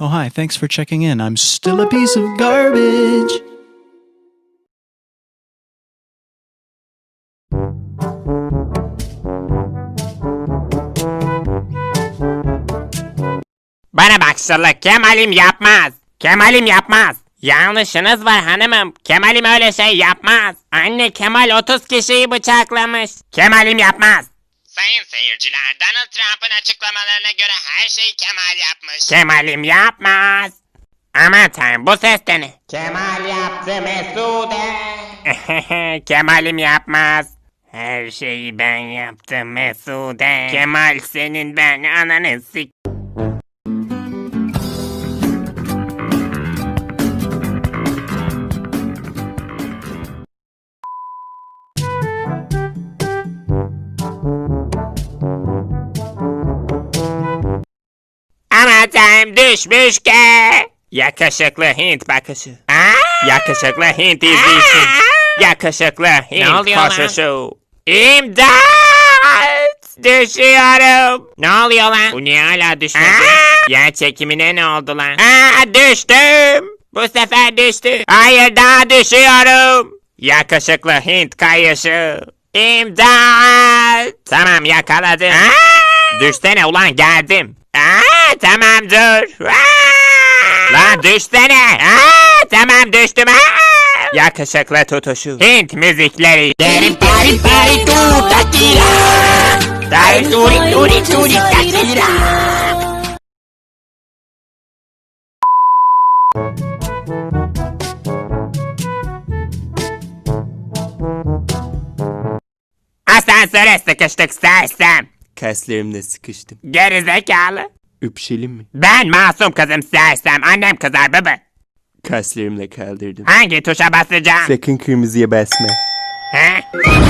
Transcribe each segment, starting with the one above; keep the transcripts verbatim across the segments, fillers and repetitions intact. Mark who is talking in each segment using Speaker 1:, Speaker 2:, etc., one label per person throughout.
Speaker 1: Oh, hi, thanks for checking in. I'm still a piece of garbage.
Speaker 2: Bana bak Şıllık, Kemal'im yapmaz. Kemal'im yapmaz. Yanlışınız var hanımım. Kemal'im öyle şey yapmaz. Anne, Kemal otuz kişiyi bıçaklamış. Kemal'im yapmaz. Sayın seyirciler, Donald Trump'ın açıklamalarına göre her şeyi Kemal yapmış. Kemal'im yapmaz. Aman tanrım, bu ses de ne? Kemal yaptı Mesude. Kemal'im yapmaz. Her şeyi ben yaptım Mesude. Kemal senin ben ananı sik... Aman tanrım, düşmüş ki. Yakışıklı Hint bakışı. Aa! Yakışıklı Hint izleyişi. Yakışıklı Hint koşuşu. İmdat! Düşüyorum. Ne oluyor lan? Bu niye hala düşmedi? Yer çekimine ne oldu lan? Aa, düştüm. Bu sefer düştü. Hayır, daha düşüyorum. Yakışıklı Hint kayışı. İmdat! Tamam, yakaladım. Aa! Düşsene ulan, geldim. Aa, tamam dur. Aa! Lan düşsene. Aa, tamam düştüm. Aa! Yakışıklı tutuşu. Hint müzikleri. Derim pari pari tu takira. Dari turi turi turi takira. Asansöre sıkıştık sersem.
Speaker 3: Kaslarımla sıkıştım.
Speaker 2: Gerizekalı.
Speaker 3: Öpüşelim mi?
Speaker 2: Ben masum kızım sersem. Annem kızar baba.
Speaker 3: Kaslarımla kaldırdım.
Speaker 2: Hangi tuşa basacağım?
Speaker 3: Sakın kırmızıya basma.
Speaker 2: He?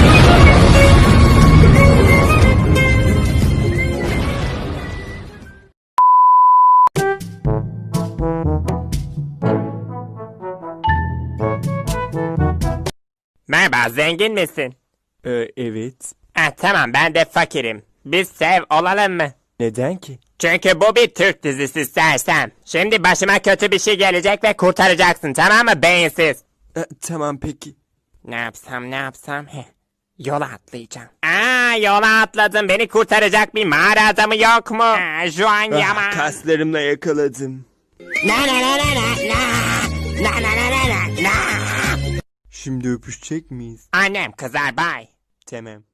Speaker 2: Merhaba, zengin misin?
Speaker 3: Ee, evet.
Speaker 2: Ha, tamam, ben de fakirim. Biz sev olalım mı?
Speaker 3: Neden ki?
Speaker 2: Çünkü bu bir Türk dizisi sersem. Şimdi başıma kötü bir şey gelecek ve kurtaracaksın, tamam mı beyinsiz?
Speaker 3: Ee, tamam peki.
Speaker 2: Ne yapsam ne yapsam? Heh. Yola atlayacağım. Aa, yola atladım. Beni kurtaracak bir mağara adamı yok mu? Aa, şu an
Speaker 3: Ah,
Speaker 2: yaman.
Speaker 3: kaslarımla yakaladım.
Speaker 2: Na na na na na na. Na na na na na na.
Speaker 3: Şimdi öpüşecek miyiz?
Speaker 2: Annem kızar, bay.
Speaker 3: Tamam.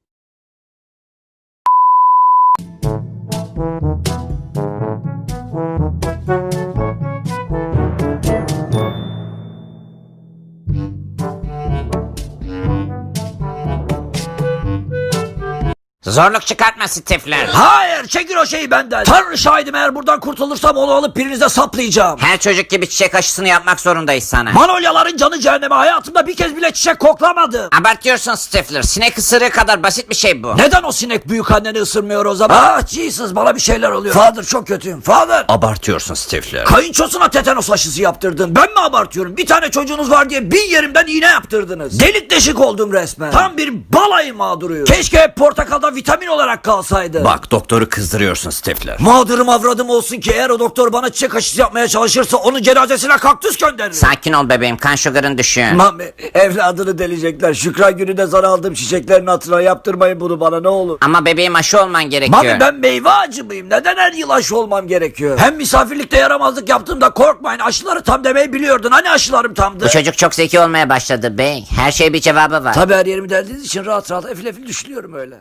Speaker 2: Zorluk çıkartma Stifler.
Speaker 4: Hayır, çekin o şeyi benden. Tanrı şahidim, eğer buradan kurtulursam onu alıp birinize saplayacağım.
Speaker 5: Her çocuk gibi çiçek aşısını yapmak zorundayız sana.
Speaker 4: Manolyaların canı cehenneme, hayatımda bir kez bile çiçek koklamadım.
Speaker 5: Abartıyorsun Stifler. Sinek ısırığı kadar basit bir şey bu.
Speaker 4: Neden o sinek büyük anneni ısırmıyor o zaman? Ah Jesus, bana bir şeyler oluyor. Father, çok kötüyüm. Father.
Speaker 5: Abartıyorsun Stifler.
Speaker 4: Kayınçosuna tetanos aşısı yaptırdın. Ben mi abartıyorum? Bir tane çocuğunuz var diye bin yerimden iğne yaptırdınız. Delik deşik oldum resmen. Tam bir balayı mağduruyum. Keşke hep portakalda vitamin olarak kalsaydı.
Speaker 5: Bak, doktoru kızdırıyorsun Stifler.
Speaker 4: Mağdurum avradım olsun ki eğer o doktor bana çiçek aşısı yapmaya çalışırsa onun cenazesine kaktüs gönderirim.
Speaker 5: Sakin ol bebeğim, kan şugarın düşüyor.
Speaker 4: Mami, evladını delecekler. Şükran gününde sana aldığım çiçeklerin hatırına yaptırmayın bunu bana, ne olur.
Speaker 5: Ama bebeğim, aşı olman gerekiyor.
Speaker 4: Mami, ben meyve ağacı mıyım? Neden her yıl aşı olmam gerekiyor? Hem misafirlikte yaramazlık yaptığımda korkmayın, aşıları tam demeyi biliyordun. Hani aşılarım tamdı?
Speaker 5: Bu çocuk çok zeki olmaya başladı bey. Her şeye bir cevabı var.
Speaker 4: Tabii, her yerimi deldiğiniz için rahat rahat efil efil düşünüyorum öyle.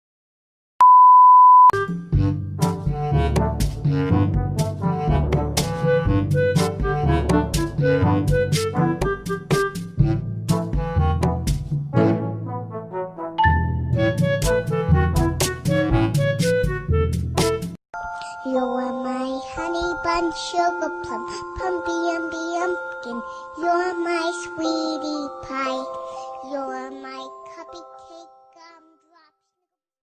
Speaker 6: You are my honey bun, sugar plum, pumpy umby umpkin. You're my sweetie pie. You're my cupcake.